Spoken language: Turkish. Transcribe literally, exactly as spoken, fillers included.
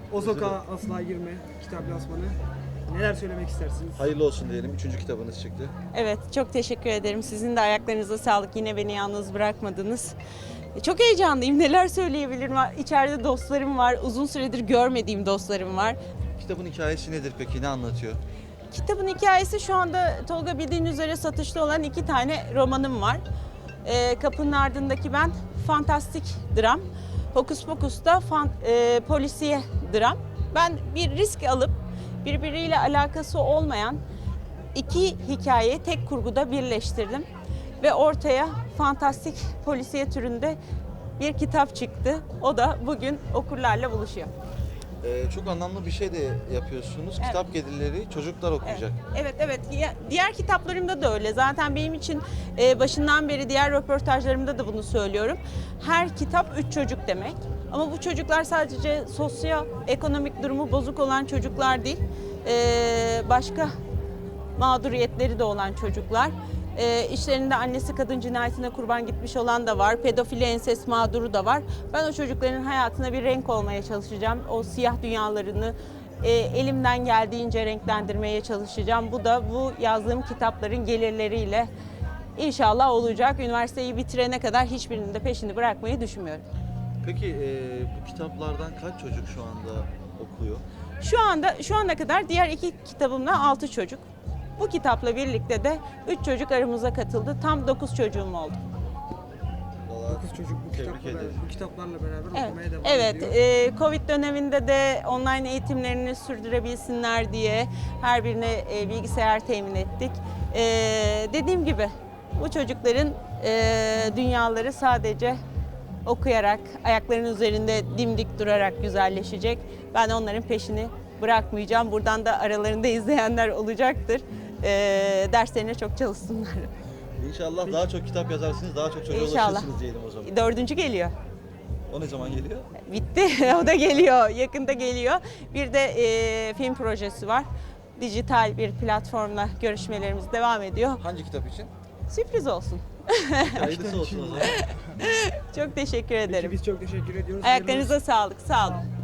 O Sokağa Asla Girme kitap lansmanı. Neler söylemek istersiniz? Hayırlı olsun diyelim. Üçüncü kitabınız çıktı. Evet, çok teşekkür ederim. Sizin de ayaklarınıza sağlık. Yine beni yalnız bırakmadınız. Çok heyecanlıyım. Neler söyleyebilirim? İçeride dostlarım var. Uzun süredir görmediğim dostlarım var. Kitabın hikayesi nedir peki? Ne anlatıyor? Kitabın hikayesi şu anda Tolga bildiğin üzere satışta olan iki tane romanım var. Ee, Kapının Ardındaki Ben fantastik dram. Hokus Pokus da fan, e, polisiye dram. Ben bir risk alıp birbiriyle alakası olmayan iki hikayeyi tek kurguda birleştirdim. Ve ortaya fantastik polisiye türünde bir kitap çıktı. O da bugün okurlarla buluşuyor. Ee, çok anlamlı bir şey de yapıyorsunuz. Evet. Kitap gelirleri çocuklar okuyacak. Evet, evet. Ya- Diğer kitaplarımda da öyle. Zaten benim için e, başından beri diğer röportajlarımda da bunu söylüyorum. Her kitap üç çocuk demek. Ama bu çocuklar sadece sosyoekonomik durumu bozuk olan çocuklar değil. E, başka mağduriyetleri de olan çocuklar. E, işlerinde annesi kadın cinayetine kurban gitmiş olan da var. Pedofili, ensest mağduru da var. Ben o çocukların hayatına bir renk olmaya çalışacağım. O siyah dünyalarını e, elimden geldiğince renklendirmeye çalışacağım. Bu da bu yazdığım kitapların gelirleriyle inşallah olacak. Üniversiteyi bitirene kadar hiçbirinin de peşini bırakmayı düşünmüyorum. Peki e, bu kitaplardan kaç çocuk şu anda okuyor? Şu anda şu ana kadar diğer iki kitabımla altı çocuk. Bu kitapla birlikte de üç çocuk aramıza katıldı. Tam dokuz çocuğum oldu. Vallahi Dokuz çocuk bu, tebrik kitapla, ederim. bu kitaplarla beraber Evet, okumaya devam evet. ediyor. e, Covid döneminde de online eğitimlerini sürdürebilsinler diye her birine e, bilgisayar temin ettik. E, dediğim gibi bu çocukların e, dünyaları sadece okuyarak, ayaklarının üzerinde dimdik durarak güzelleşecek. Ben onların peşini bırakmayacağım. Buradan da aralarında izleyenler olacaktır. E, derslerine çok çalışsınlar. İnşallah daha çok kitap yazarsınız, daha çok çocuğa İnşallah. ulaşırsınız diyelim o zaman. Dördüncü geliyor. O ne zaman geliyor? Bitti. O da geliyor. Yakında geliyor. Bir de e, film projesi var. Dijital bir platformla görüşmelerimiz devam ediyor. Hangi kitap için? Sürpriz olsun. Hayırlısı olsun o zaman. Çok teşekkür Peki ederim. biz çok teşekkür ediyoruz. Ayaklarınıza sağlık. Sağ olun.